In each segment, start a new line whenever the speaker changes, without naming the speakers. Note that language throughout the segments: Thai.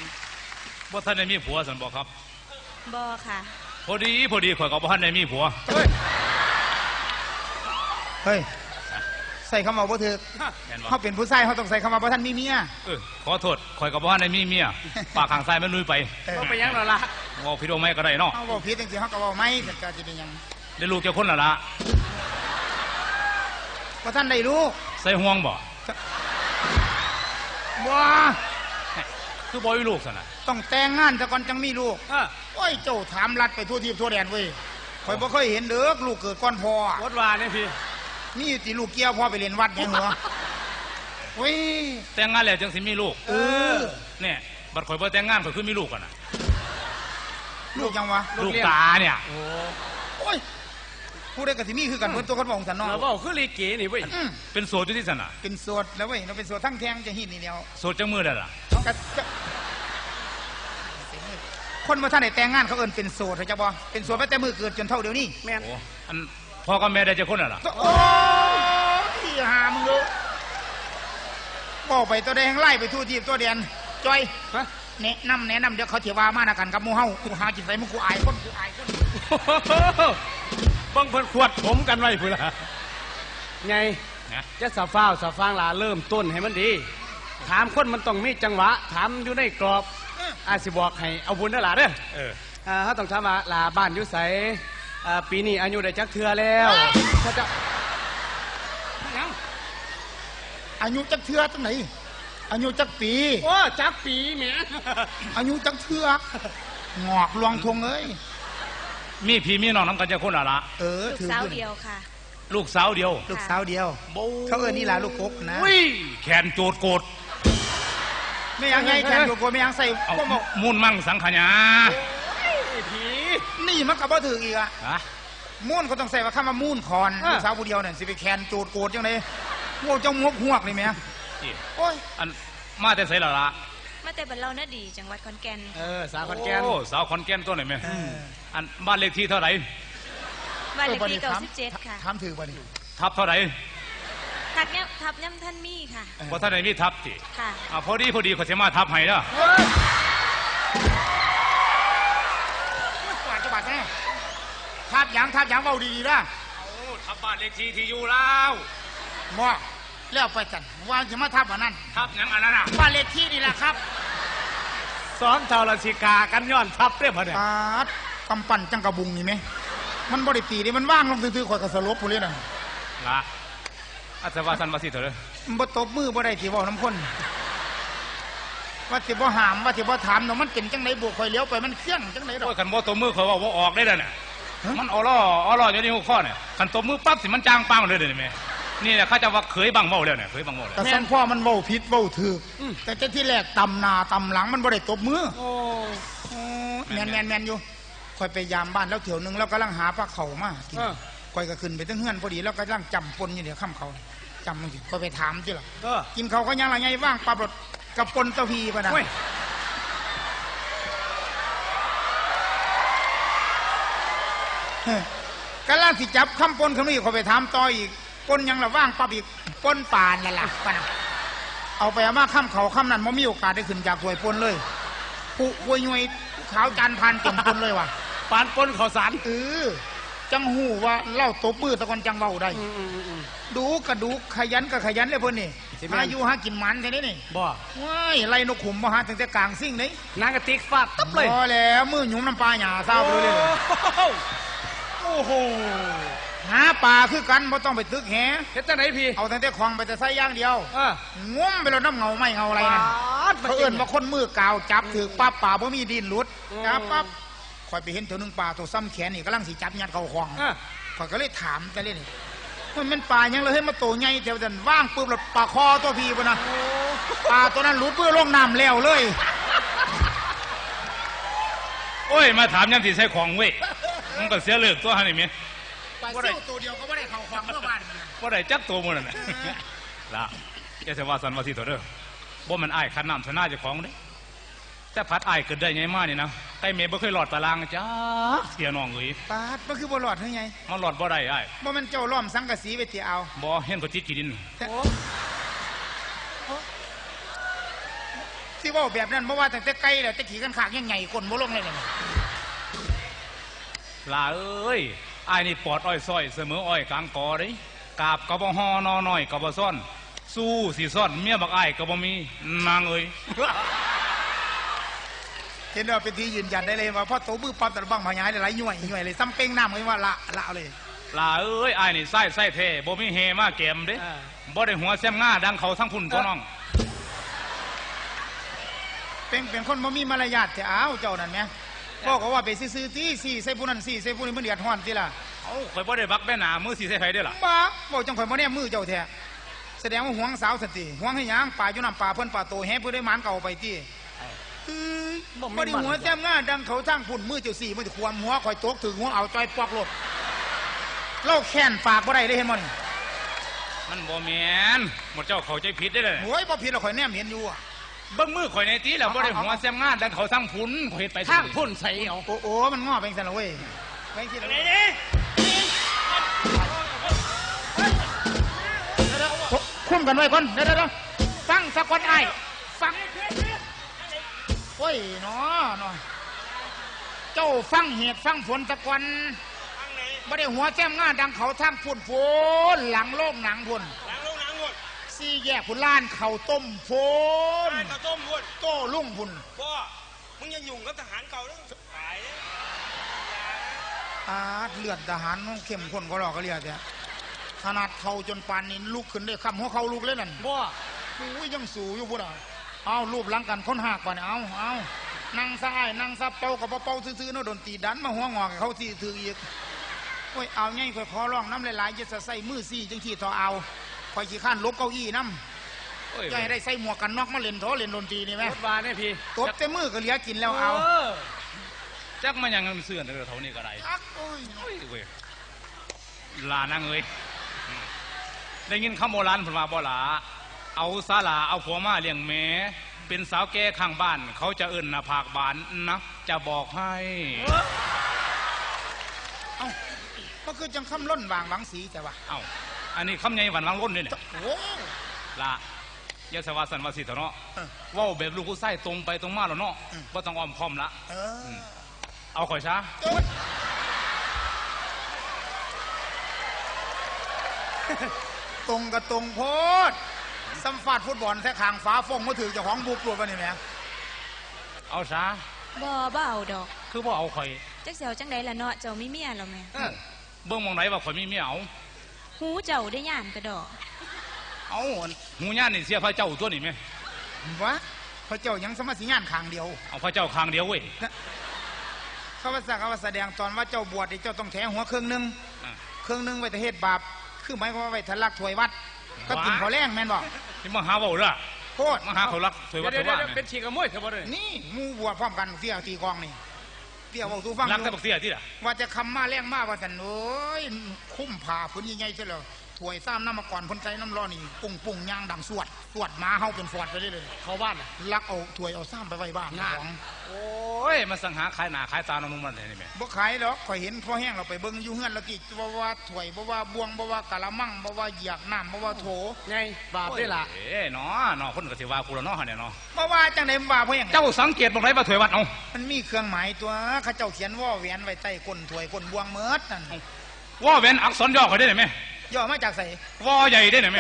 บ่ท่านได้มีผัวสันบอกครับ
บ่ค่ะ
พอดีข่อยกับบ่ท่านได้มีผัว
เฮ้ยใส่คำว่าบ่ถือเขาเป็นผู้ชายเขาต้องใส่คำว่าบ่ท่านมีเมีย
ขอโทษข่อยกับบ่ท่านได้มีเมียปากข้างซ้ายมันลุยไป
เขาไปยังหรอล่ะ
ว่าพี่โดไม่ก็ได้เนาะ
เขาบอกผิดจริงๆเขาก็บอกไม่แต่ก็จะเป็นยัง
ได้ลูกเจ้าคนละละ
บ่ท่านได้ลูก
ใส่ห่วงบ่
ว้า
คือบ่มีลูกสินะ
ต้องแต่งงานแต่ก่อนจังมีลูกโอ้ยเจ้าถามรัดไปทั่วทิพย์ทั่วแดนเว้ยข่อยบ่เคยเห็นเด้อลูกเกิดก่อนพ่อ
วัดวาเนี่ยพี่
นี่ตีลูกเกี้ยวพ่อไปเรียนวัดยังหัวเว้ย
แต่งงานแล้วจังสิมีลูกเนี่ยบัดข่อยบ่แต่งงานข่อยคือมีลูกกันนะ
ลูกยังวะ
ลูกตาเนี่ย
โอ้ยผู้ได้กติมีคือกันเพิ่นตัวคนบอกสันนอ
เราบอกคือลีเก๋นี่เว้ย
เป็นโสดอยู่ที่สันน่ะ
เป็นโสดแล้วเว้ยเราเป็นโสดทั้งแทงจะหินนี่เดียว
โสดจังมือได้ล่ะ
คนมาท่านไหนแต่งงานเขาเอิ้นเป็นโสดเขาจะบ่เป็นโสดไปแต่มือเกิดจนเท่าเดี๋ยวนี้
แม่น
อันพ่อกับแม่ได้จะคนน่ะล่ะ
โอ้ยหามึงเลยบอกไปตัวแดงไล่ไปทั่วทีตัวเดียนจอยแนะนำเดี๋ยวเขาเถียว่ามาหน้ากันกับมูเฮากูหาจิตใจมึงกูอายคน
บังเพิ่นขวดผมกันไว้พุ่นล่ะไงจะสะฟ้าวสะฟางลาเริ่มต้นให้มันดีถามคนมันต้องมีจังหวะถามอยู่ในกรอบอาสิบอกให้เอาบุญนั่นล่ะเด้อเขาต้องถามว่าลาบ้านอยู่ไสปีนี้อายุได้จักเทื่อแล้วถ้าจะ
อายุจักเทื่อจังไหนอายุจักปี
โอ้จักปีแหม
อายุจักเทื่องอกลวงทงเอ้ย
มีพี่มีน้องน้ำกันจะคนละ
ลูกสาวเดียวค่ะ
ลูกสาวเดียว
เขาเอิ้นนี่ล่ะลูกกกนะ
แขนโจดโกด
ไม่ยังไงแขนโจดโกดไม่ยังใส่
ก็มุ่นมั่งสังขยา
ผีนี่มันก็บ่ถืออีกอ่ะมุ่นก็ต้องใส่ว่าคำว่ามุ่นคอนลูกสาวผู้เดียวเนี่ยสิไปแขนโจดโกดจังได๋โง่เจ้างกหวกนี่แม่
โอ้ยอันมาแต่ไสล่ะ
มาแต่บ้านเราน่ะดีจังหวัดขอนแก่น
สาวขอนแก่น
สาวขอนแก่นตัวไหนแม่อันบ้านเลขที่เท่าไหร่
บ้านเลขที่97ค่ะ
ถามถือบ่นี่
ทับเท่าไหร่
ทับย่ำท่านมีค่ะ
บ่ท่านไหนมีทับติ
ค่ะ
พอดีเขาสิมาทับให้เด้อ
กว่าจะบาดแน่ทับหยังเว้าดีๆนะ
ทับบ้านเลขที่ที่อยู่แล้ว
บ่แล้วไปกันว่าจะมาทับอันนั้น
ทับหยังอันนั้นน่ะ
บ้านเลขที่นี่แหละครับ
ซ้อมเท่าราชิกากันย้อนทับเด้อพ่อเนี่ย
กำปั้นจังกระบุงนี่ไหมมันบ่ได้ตีนี่มันว่างลงซื่อๆข่อยก็สลบพุ่นเลยน่ะ
ละอาจจะว่าสันว่าสิเถอะเด้อ
มันบ่ตบมือบ่ได้ที่เว้าน้ำคนว่าสิบ่หามว่าสิบ่ถามเนาะมันเป็นจังได๋บ่ข่อยเลี้ยวไปมันเครื่องจังได๋ดอก
คันบ่ตบมือข่อยว่าบ่ออกได้น่ะมันออล่ออยู่ในหัวข้อเนี่ยคันตบมือปั๊บสิมันจางปังเลยเด้อแม่นี่แหละเขาจะว่าเคยบังเว้าแล้วเนี่ยเคยบังเว้าแล้ว
แต่สันพ่อมันเว้าผิดเว้าถูกแต่ที่แรกตำหน้าตำหลังมันบ่ได้ตบมือแม่นอยู่ค่อยไปยามบ้านแล้วเถียวนึงแล้วกำลังหาปลาเข่ามาค่อยก็ขึ้นไปตั้งเฮือนพอดีแล้วก็กำลังจำปนอยู่เดี๋ยวค่ำเขาจำมันสิค่อยไปถามจิล่ะกินเขาก็ยังไรไงว่างปลาบดกับปนตะพีป่ะนะกำลังสิจับคำปนคำนี้ค่อยไปถามต่ออีกปนยังละว่างปลาอีกปนป่านนั่นแหละป่ะนะเอาไปเอามาค่ำเขาค่ำนั้นไม่มีโอกาสได้ขึ้นจากถวยปนเลยผู้ป่วยย่อยขาวจานพันเก่งปนเลยว่ะ
ปานปนข้าวสาร
จังหูว่าเล่าตบมือตะกอนจังเบาได้ดูกระดูขยันกับขยันเลยเพิ่นนี่อายุหากินมันแค่นี้นี่
บ่
ว้ายไล่นกขุมมาหาตั้งแต่กลางซิ่งนี่
นางกระติกฟาดตับเลย
พอแล้วมือหยุ่มน้ำปลาหยาเศร้าเลย
โอ้โห
หาปลาคือกันไม่ต้องไปตึกแห
เฮ็ดจังไหนพี่
เอาตั้งแต่คลองไปแต่ไส้ย่างเดียวงมไปแล้วน้ำเงาไม่เงาอะไรนั่นเขาเอิ้นว่าคนมือกาวจับถือปั๊บป่าบ่มีดินหลุดจับปั๊บคอยไปเห็นเถวนึงปลาตัวซ้ำแขนนี่กำลังสีจับยัดเข้าคลองคอยก็เลยถามกันเลยนี่มันปลายังเลยให้มาโตใหญ่แถวนั้นว่างปุ๊บแล้วปลาคอตัวพีป่ะนะปลาตัวนั้นหลุดเพื่อลงน้ำแล้วเลย
โอ้ยมาถามยังสิใส่ของเว้ยมันก็เสียเลือกตัวหันนี่มั้ย
ปลาเสี่ยวตัวเดียวก็ไม่ได้เข้าคลองเมื่อวาน
บ่ได้จักตัวมันน่ะล่ะอย่าจะว่าสันว่าสิตัวเด้อบ่มันอ้ายคันน้ำชนะเจ้าของเด้แต่พัดอ้ายเกิดได้ไงมานี่นะไก่เมย์บ่เคยหลอดตารางจ้าเสียน้องเอ้ย
ปาดมันคือบ่หลอดเฮ้ยไง
มันหลอดบ่ได้อ้าย
บ่มันเจ้าล้อมสังกะสีไปตีเอา
บ่เห็นก็จิตจีดิน
ที่ว่าแบบนั้นเพราะว่าตั้งแต่ไกลแล้วจะขี่กันขากยังไงคนบ่ลงเลยเนี่ย
ลาเอ้ยอ้ายนี่ปอดอ้อยซ้อยเสมออ้อยกลางกอเด้กาบกะบ่ฮอนอน้อยกะบ่ซ่อนสู้สิซ่อนเมียบักอ้ายกะบ่มีนางเอ้ย
เห็นว่าเป็นที่ยืนยันได้เลยว่าพ่อโตมือปั๊บแต่บังพญายหลายย่อยเลยซ้ำเป้งน้ำเลยว่าละเลย
ลาเอ้ยอ้ายนี่ไส้เท่บ่มีเฮมาเกมเด้บ่ได้หัวแซมง่าดังเขาทั้งพุ่นตัวน้อง
เป็นคนบ่มีมารยาทแต่อ้าวเจ้านั่นแหมพ่อก็ว่าไปซื้อที่สี่ใส่ผู้นั้นสี่ใส่ผู้นี้มันเดือดร้อนทีละ
เอ้าข่อยบ่ได้บักแม่หนามือสิใส่ไผเด้อล่ะ
บ้าบอกจังข่อยบ่แน่มือเจ้าแท้แสดงว่าหวงสาวสติหวงให้หยังป่าอยู่น้ำป่าเพิ่นป่าโตแฮ่เพื่อได้หมานเก่าไปที่บ่ได้หัวแจ่มง่าดังเขาทั้งพุ่นมือเจ้าสี่มือจะความหัวข่อยตกถึงหัวเอาจอยปอกรถเล่าแค้นปากบ่ได้เลยเห็นบ่นี่
มันบ่แม่นหมดเจ้าเข้าใจผิดได้เลย
โอ้ยบ่ผิดหรอกข่อยแนมเห็นอยู่
เบิ่งมือข่อยในตีแล้วบ่ได้หัวแซมง่าดังเขาทั้งพุ่นข่อยเฮ็ดไป
ทางพุ่นใส่เอา
โอ้มันง้อไปจังซั่นล่ะเว้ยไปจังซี่คุ้มกันไว้ก่อนเดี๋ยวฟังสักวันไอ้ฟังโอ้ยเนาะเจ้าฟังเหตุฟังผลสักวันไม่ได้หัวแจ้มง่าดังเขาทางพุ่นโผนหลังโลกหนังพุ่นสี่แยกพุ่นล้านเขาต้มโผนโต้ลุ่งพุ่น
พ่อมึงยังยุ่งกับทหารเก่าแล้วตาย
เลือดทหารเข้มข้นก็หลอกก็เรียกแต่ขนาดเขาจนปานนี้ลุกขึ้นได้คำหัวเขาลุกเลยนั่น
บ่
อุ้ยยังสูอยู่พุ่นเอารูปหลังกันค้นหักป่ะเนี่ยเอานั่งซ้ายนั่งซับเป่ากับเป่าซื่อๆเนาะโดนตีดันมาหัวงอกเขาที่ถืออีกโอ้ยเอาไงค่อยขอร้องน้ำหลายๆจะใส่มือซี่จังที่ทอเอาคอยขี้ข้านลบเก้าอี้น้ำจะให้ได้ใส่หมวกกันน็อกมาเล่นโถเล่นดนตรีนี่ไหม
รถวาเนี่ยพี่
ตบแต่มือก็เหลือกินแล้วเอา
จักมันยังเสื่อนเด้อเท่านี้ก็ได้
โอ้ย
เว้ยลานางเอ้ยได้ยินคำโบราณเพิ่นว่าบ่ล่ะเอาศาลาเอาผัวมาเลี้ยงแม่เป็นสาวแก่ข้างบ้านเขาจะเอิ้นหน้าผากบานนะจะบอกให้
เอ้าก็คือจังคำล้นวางหวังสีแต่ว่า
เอ้าอันนี้คำใหญ่หวานวังล้นนี่เนี่ย
โอ้
ละยาสวาสันวาสิเถอะเนาะว่าแบบลูกผู้ไส้ตรงไปตรงมาแล้วเนาะบ่ต้องอ้อมค้อมละเอาข่อยซะ
ตรงกับตรงโพดสัมฟาดฟุตบอลแท้ขางฟ้าฟงมาถือเจ้าของบุกตัวกันนี่แหละ
เอาซะ
บ่เอาดอก
คือบ่เอาข่อย
จักเสียวจังใดล่ะเนาะเจ้ามีเมียแล้วแม่
เบิ่งมองไหนว่าข่อยมีเมียเอา
หูเจ้าได้ย่านกระดอก
เอาหูย่านนี่เสียพระเจ้าตัวนี่ไหม
วะพระเจ้ายังสมาสิงานขางเดียว
เอาพระเจ้าข้างเดียวเว้ย
เขาว่าแสดงตอนว่าเจ้าบวชเจ้าต้องแถหัวเครื่องนึงไว้แต่เหตุบาปคือหมายความว่าไว้ทะลักถวยวัดก็กินเขาแรงแม่นบอก
นี่มาหาเบาเด้อ
โคตร
มาหาเขารักสวยวัดสวยว่า
เป็นฉีกกระมวยเถอะบ่เลย
นี่มูบวชพร้อมกันเตี้ยตีกองนี่เตี้ยบอกตูฟัง
รักแต่บักเสียที่ล่ะ
ว่าจะคำมาแรงมากว่าสันโอ้ยคุ้มผ่าพื้นใหญ่ๆใช่เหรอถวยซ้ำน้ำมาก่อนพ้นใจน้ำร้อนนี่ปุ่งยางดังสวดมาเฮาเป็นฟอดไปเลย
เข้าบ้าน
ลักเอาถวยเอาซ้ำไปไว้บ้านของ
โอ้ยมาสังหาขายหน้าขายตาน้องๆมันนี่แม่
บ่ขายหรอกข่อยเห็นพอแห้งเราไปเบิ่งอยู่เฮือนแล้วกี่บ่ว่าถวยบ่ว่าบวงบ่ว่ากะละมังบ่ว่าเหยียกน้ำบ่ว่าโถ
ไงบาปได้ล่ะ
เอ้เนาะคนก็สิว่ากูแล้วเนาะเนี่ยเนาะ
บ่ว่าจังได๋ว่าพอแห้ง
เจ้าสังเกตบ่ไรว่าถวยวัดเอา
มันมีเครื่องหมายตัวเขาเจ้าเขียนว่าแหวนไว้ใต้ก้นถวยก้นบวงเมิดนั่น
ว่าเว้นอักษรย่อข่อยได้ไหม
ย่อมาจากไส
ว่าใหญ่ได้ไหม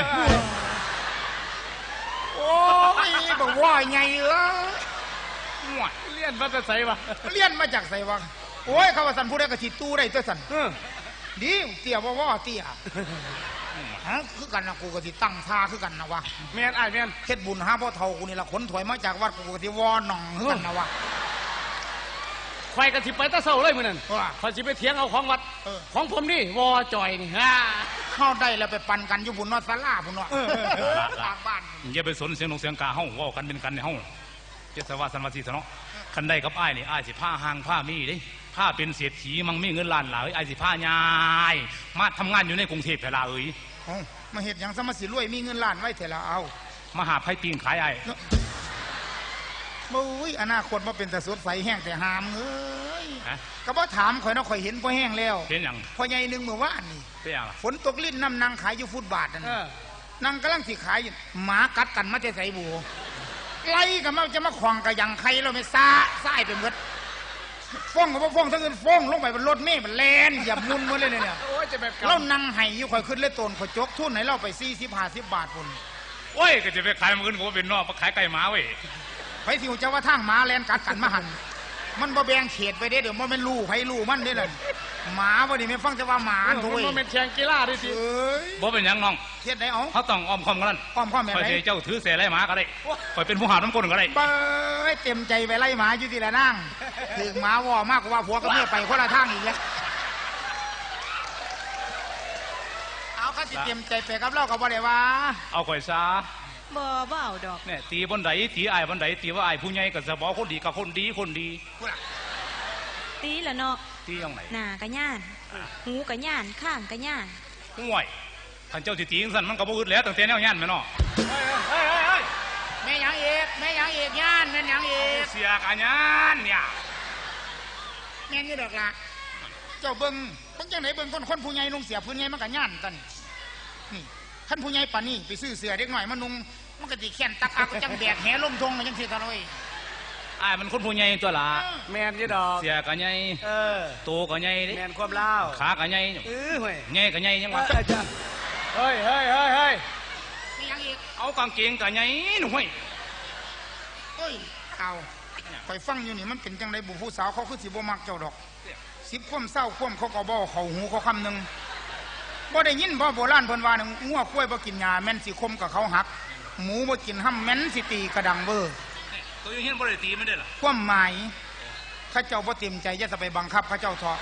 โอ้ยบ่ว่าใหญ่เอ้ย
เลี้ยนมาแต่ใส่วะ
เรียนมาจากไสวะโอ้ยเขาว่าสันผู้ใดก็สิตู้ได้ตัวสันดีเตี้ยบ่ว่าเตี้ยฮะคือกันนะกูก็สิตั้งท่าคือกันนะวะ
แม่นอ้ายแม่น
เฮ็ดบุญหาพ่อเฒ่ากูนี่ละขนถวยมาจากวัดกูก็สิวอหน่องคือกันนะวะ
ควายกระสิไปตะเศร้าเลยมื้อนั้น
ว่า
ข่อยสิไปเถียงเอาของวัดของผมนี่วอจอยนี่ฮ่า
เข้าได้แล้วไปปั่นกันอยู่บุญนอศาลาพุ่นเนาะทางบ้าน
อย่าไปสนเสียงนกเสียงกาเฮาว่ากันเป็นกันในเฮาเจ้าสวาสันวาสิเนาะคันได้กับอ้ายนี่อ้ายสิผ้าห่างผ้ามีเด้ผ้าเป็นเศรษฐีมั่งมีเงินล้านหลายอ้ายสิผ้ายายมาทำงานอยู่ในกรุงเทพเวลาเอ้ย
มาเฮ็ดหยังซะมาสิรวยมีเงินล้านไว้เถอะละเอา
มาหาไผ่ปิ้งขายอ้าย
บุ้ยอนาคตมาเป็นแต่สดใสแห้งแต่หามเอ้ย
ฮะ
ก็บ่ถามข่อยเนาะข่อยเห็นพอแห้งแล้ว
เป็นหยัง
พอใหญ่นึงเมื่อวานนี่
เป็นหยังล่ะ
ฝนตกลิ้นน้ำนางขายอยู่ฟุตบาทนั่นนั่งกำลังสิขายอยู่หมากัดกันมาแต่ใส่บูไล่กันมาจะมาขวางกับยังใครเราไม่ซ่าซ่ายไปหมดฟ้องกับว่าฟ้องทั้งเงินฟ้องลงไปบนรถเมล์มันแลนอย่ามุนหมดเลยเนี่ย
โอ้ยจะแบบ
เรานั่งไห้อยู่ข่อยขึ้นเลยตนข่อยจกทุนไหนเราไป40-50 บาทพุ่น
โอ้ยก็จะไปขายมันอื่นก็เป็นนอกมาขายไก่หมาเว้ย
ไปสิวจะว่าทางหมาแลนกัดกันมาหันมันบ่แบ่งเขตไปเด้เดี๋ยวมันเป็นลูกให้ลูกมันเด้นั่นหมาบ่นี่ไม่ฟังแต่ว่าหมาโถุย
มันเป็นแข่งกีฬาด้วยสิ
เอ้ย
บ่เป็นหยังน้อง
เฮ็ดได้เอา
เขาต้องอ้อมคอมกันนั่น
อ้อมข้อมแม่
คอย
ไหน
เจ้าถือเสียไรหมาก็ได้คอยเป็นผู้หาน้ำก้นก็ได้
เบ้ยเต็มใจไปไล่หมาอยู่ที่ละนั่งถึงหมาว่อมากกว่าผัวก็เมียไปคนละทางอีกแล้วเอาเขาสิเต็มใจไปกับเราก็บ่ได้ว่า
เอาคอยซา
บ่เอาดอก
เนี่ยตีบนไดตีไอ้บนไดตีว่าไอ้ผู้ใหญ่กับสะบอคนดีกับคนดีคนดี
ตีละเนาะ
ตียังไหน
หน้าก็ย่านหูก็ย่านข้างก็ย่าน
ห่วยท่านเจ้าสิตีจังซั่นมันก็บ่อึดแล้วตั้งแต่แนวยันแม่เนาะ
แม่ยังเอกแม่ยังเอกย่านแม่ยังเอก
เสียกันยันเนี่ย
แม่นี่ดอกละเจ้าเบิ่งจังไหนเบิ่งคนผู้ใหญ่นุ่งเสียผู้ใหญ่มันก็ย่านตันนี่ท่านผู้ใหญ่ป่านนี้ไปซื้อเสื้อเด็กหน่อยมานุ่งมันก็สิแขนตักอักจังแบกแหลมทงจังสิตะลอย
ไอ้มันคนผู้ใหญ่ตัวละ
แมนยี่ดอก
เสียกันใหญ่ โตก็ใหญ่ดิ
แมนความเล่า
ขาก็ใหญ่
เว้ย
ใหญ่ก็ใหญ่ยังวะ
เฮ้ย
แม่ยังเอก
เอากางเกงก็ใหญ่หนุ่ย
เฮ้ยเอาคอยฟังอยู่นี่มันเป็นจังไดบุผู้สาวเขาคือสิบ่มักเจ้าดอก10ความเศร้าความเขาก็บ่เข้าหูเขาคำนึงบ่ได้ยินบ่โบราณเพิ่นว่านึงงัวควายบ่กินหญ้าแม่นสิคมกับเขาหักหมูบ่กินห้ำแม่นสิตีกระดังเบ้อ
ตัวยังเห็นบ่ได้ตีไม่ได้หรอ
ความหมายข้าเจ้าบ่เต็มใจอย่าจะไปบังคับข้าเจ้าเถาะ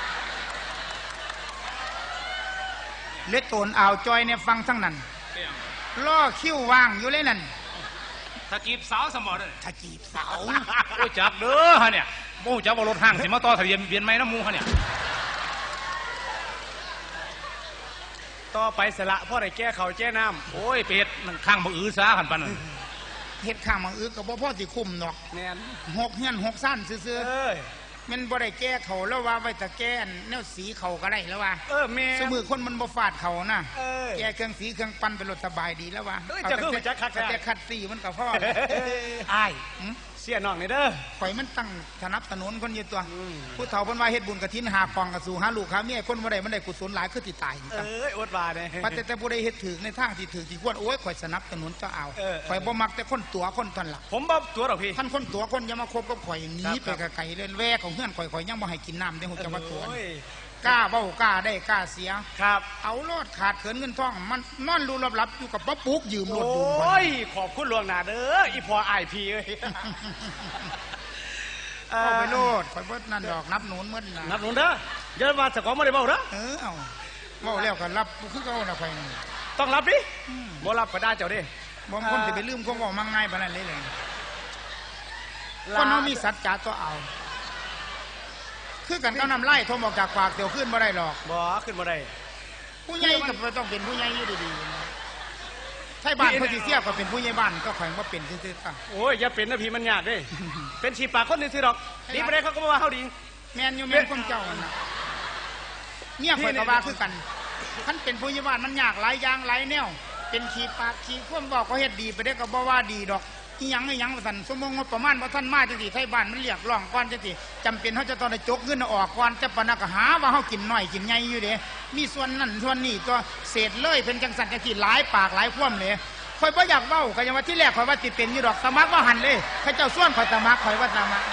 เล็ดโตนอ่าวจอยเนี่ยฟังทั้งนั้นล่อคิ้วว่างอยู่เลยนั่น
ถ้าจีบสาวสมอเลย
ถ้าจีบสาว
โอ้จักเด้อฮะเนี่ยโอ้จักว่ารถห้างสิมาต่อทะเบียนเบียนไหมน้ำมูฮะเนี่ย
ต่อไปสละพ่อได้แก้เขาแก้น้
โอ้ยเป็ดมันข้างมืออื้อซาขันปันนั่น
เฮ็ดข้างมังอึกกับบ่พ่อสิคุ้มดอก
ำแมน
6เฮียน6ซ่านซื่อๆมันบ่ได้แก้เขาแล้วว่าไว้แต่แก้แนวสีเขาก็ได้แล้วว่า
แมน
สมือคนมันบ่ฟาดเขานะ
เออ
แก้เครื่องสีเครื่องปั้นเป็นรถสบายดีแล้วว่า
เอ้ยจะคือมันจะคักๆ
แต่คัดสีมันก็พอ
อ้าย
หืม
เสียน้องนี่เด้อ
ข่อยมันตั้งสนับสนุนคนอยู่ตัว
อืม
ผู้เฒ่าเพิ่นว่าเฮ็ดบุญกฐินหากองกระสู่หาลูกหาเมียคนบ่ได้มันได้กุศลหลายคือสิตาย
อดบาเนี่ย
ปัจแต่ผู้ใดเฮ็ดถึกในทางที่ถึกที่ควรโอ้ยข่อยสนับสนุนเจ้าเอา
เออ
ข่อยบ่มักแต่คนตัวคนทันล่ะ
ผมบ่ตัวหรอกพี่
ท่านคนตัวคนอย่ามาคบกับข่อยหนี
ครับ
ไปไกลๆเลยแวกของเฮือนข่อยยังบ่ให้กินน้ำได้ฮู้จักว่าตัว
โอ้ย
กล้าเว้ากล้าได้กล้าเสีย
ครับ
เอาโลดขาดเขินเงินทองมันนอนรูลับๆอยู่กับป้าปุ๊กยืมรถดู
โอ้ยขอบคุณหลวงหนาเด้ออีพออ้ายพี่เอ้ย
เอาไปโลดข่อยบ่นั่นดอกนับหนุนมื้อน่ะ
นับหนุนเด้อเดี๋ยวมาสกอไม่ได้เบ้าเด้อ
เอาเว้าแล้วก็รับคือเก่าน่ะข่อยนี่
ต้องรับดิบ่รับก็ได้เจ้าดิ
บ่คนสิไปลืมความเว้ามังง่ายปานนั้นเลยคนเฮามีสัจจะตัวเอา คือกันกับน้ำไล่ทมออกจากปากเดี๋ยวขึ้นบ่ได้หรอก
บ่ขึ้นบ่ได้
ผู้ใหญ่ก็ต้องเป็นผู้ใหญ่อยู่ดีๆใช่บ้านเพิ่นสิเสียก็เป็นผู้ใหญ่บ้านก็ข่อยบ่เป็นซื่อๆค่ะ
โอ้ยอย่าเป็นนะพี่มันยากเด้ เป็นฉีปากคนซื่อๆดอกดีบ่ได้เขาก็บ่ว่าเฮาดี
แม่นอยู่แม่นคนเจ้านั่นน่ะเนี่ยข่อยก็ว่าคือกันคันเป็นผู้ใหญ่บ้านมันยากหลายอย่างหลายแนวเป็นขี้ปากขี้ความบอกเขาเฮ็ดดีไปได้ก็บ่ว่าดีดอกอีหยังว่าซั่นสมมุติงบประมาณบ่ทันมาจังซี่ไทบ้านมันเรียกร้องก่อนจังซี่จำเป็นเฮาจะต้องได้จกเงินออกก่อนจะปานนั้นก็หาว่าเฮากินน้อยกินใหญ่อยู่เด้มีส่วนนั้นส่วนนี้ตัวเศษเลยเป็นจังซั่นจังซี่หลายปากหลายความเลยข่อยบ่อยากเว้าก็ยังว่าที่แรกข่อยว่าสิเป็นอยู่ดอกสมัครว่าหั่นเลยเขาเจ้าส่วนข่อยสมัครข่อยว่าสมัคร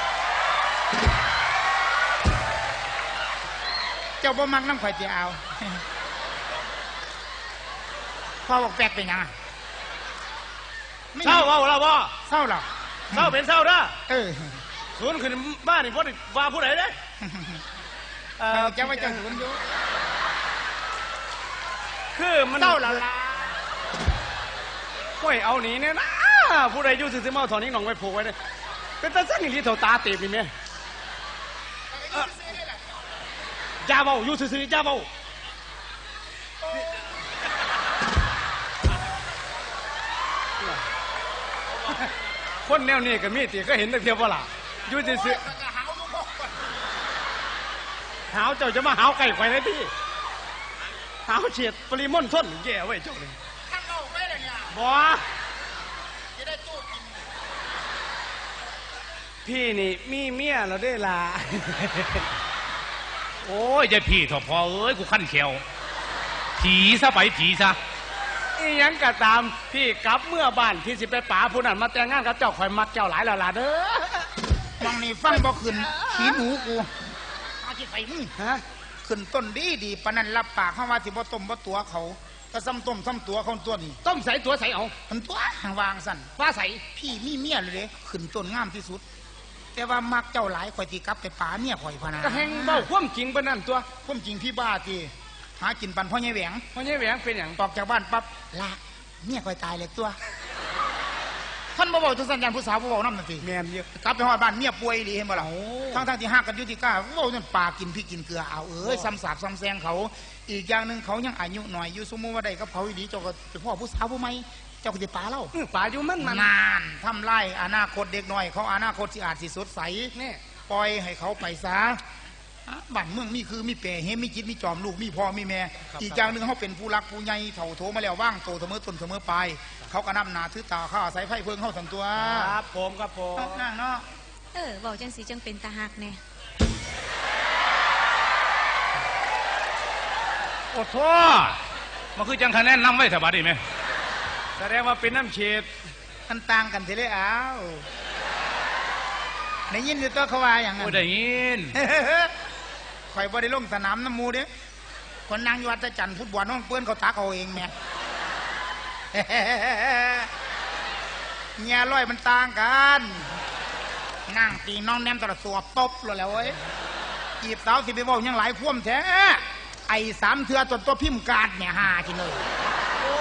เจ้าบ่มักนำข่อยสิเอาพ่อบอกแปลกเป็นหยัง
เศร้าเว้าแล้วบ่
เศร้าหรอ
เศร้าเป็นเศร้าเด้อ
เออ
ศูนย์ขึ้นบ้านนี่บ่ได้ว่าผู้ใดเด้
จะว่าจะหุนอยู่
คือมัน
เศร้าละลา
ห้วยเอาหนีเนี่ยนะผู้ใดอยู่ซื่อๆมาเอาถอนนี้หนองไว้ผูกไว้เด้เป็นตาซั่นอีหลีเท่าตาตีบนี่แม่อย่าเว้าอยู่ซื่อๆอย่าเว้าคนแนวนี้ก็มีติก็เห็นแต่เทียบว่าล่ะอยู่ซื่อๆหาวเจ้าจะมาหาวไก่ไข่ได้พี่หาวเฉียดปริมณฑลแย่ไว้เจ้าเลย
ท่านเอาไปเลยเนี่ย
บ่
จะได้ตู้กิน
พี่นี่มีเมียแล้วได้ล่ะ
โอ้ยยายพี่เถอะพอเอ้ยกูขั้นเขียวผีซะไปผีซะ
อีหยังก็ตามพี่กลับเมื่อบ้านพี่สิไปป๋าผู้นั้นมาแต่งงานกับเจ้าข่อยมักเจ้าหลายแล้วล่ะเด้อ
มองนี่ฟังบ่ขึ้นขี้หนูกูอาจิไปมึง
ฮะ
ขึ้นต้นดีปานนั้นรับปากเขาว่าสิบ่ต้มบ่ตัวเขาก็ซ้ำต้มซ้ำตัวเขาตัวนี้
ต้มใส่ตัวใส่เอา
มันตัวห่างวางสั่น
ว่าใส่
พี่มีเมียเลยเด้ขึ้นต้นงามที่สุด แต่ว่ามักเจ้าหลายข่อยสิกลับไปป่าเมียข่อยพะนะ
ก็แหงเบ้าความจริงปานนั้นตัว
ความจริงพี่บ้าทีหากินปันพ่อใหญ่แหวง
พ่อใหญ่แหวงเป็นหยัง
ออกจากบ้านปั๊บละเมียข่อยตายเลยตัวท่านบ่บอกจังสัญญาณผู้สาวบ่บอกน้ำนั่นสิ
แม่นเยอะ
กลับไปฮอดบ้านเมียป่วยดีเห็นบ่ล่ะทั้งที่ฮักกันอยู่ที่ก้าเว้าจนปากกินพี่กินเกลือเอาเอ้ยซ้ำสาบซ้ำแซงเขา อีกอย่างหนึงเขายังอายุหน่อยอยู่สมมุติว่าได้กับเขาอีหลีเจ้าก็เป็นพ่อผู้สาวผู้ใหม่เจ้าก็สิปาเล่า
ป๋าอยู่มัน
นานทำไล่อนาคตเด็กน้อยเขาอนาคตสิอาจสิสดใส
นี่
ปล่อยให้เขาไปซะบ้านเมืองมีคือมีเปรเฮมีจิตมีจอมลูกมีพ่อมีแม่อีกอย่างหนึ่งเขาเป็นผู้รักผู้ใหญ่เถ่าโถมาแล้วว่างโตเสมอต้นเสมอปลายเขาก็นำหนาถือตาข้าอาศัยไฟเพิ่งเข้าสันตัว
ครับผมครับผม
นั่งเนาะ
บอกจังสีจังเป็นตาหักแน่
โอ้โทมันคือจังคะแนนนำไว้สบายดีไหม
แสดงว่าเป็นน้ำเฉด
มันต่างกันทีเลยอ้าวได้ยินอยู่ตัวเขาว่าอย่างนั้
โอ้
น
ได้ยิน
ข่อยบ่ได้ลงสนามน้ำมูเด้คนนางอยู่วัดจันทร์ฟุตบอลน้องเปื้อนเขาตักเอาเองแม่ เงียร้อยมันต่างกันนั่งตีน้องแนมตลอดสวบตบเลยแล้วเว้ยจีบสาวสิไปบอกยังหลายพ่วมแท้ไอ้สามเถื่อตัวพิมพ์การ์ดเนี่ยหาทีเลย
โอ้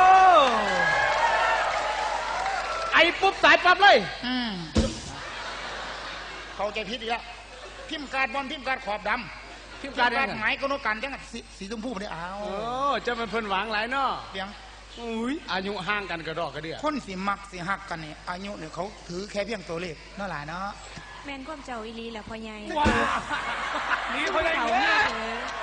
ไอ้ปุ๊บสายปั๊บเลย
เขาใจพิษอีกแล้วพิมพ์การ์ดบอลพิมพ์การ์ดขอบดำ
พิมพ์การ์ด
หมายก็โนกันจังสีชมพูไม่ได้เอา
โอ้เจะเป็นเพิ่นหวังหลายเนาะ
เพียง
อุ้ยอายุห่างกันกระดอกกระเดี่ย
คนสิมักสิหักกันเนี่ยอายุเนี่ยเขาถือแค่เพียงตัวเลขนั่นแหละเนาะ
แม่นความเจ้าอีหลีแหละพ่อใหญ่
ว้านี่เขาได้
เขา
เย
เนี่ย
อะ
เถอะ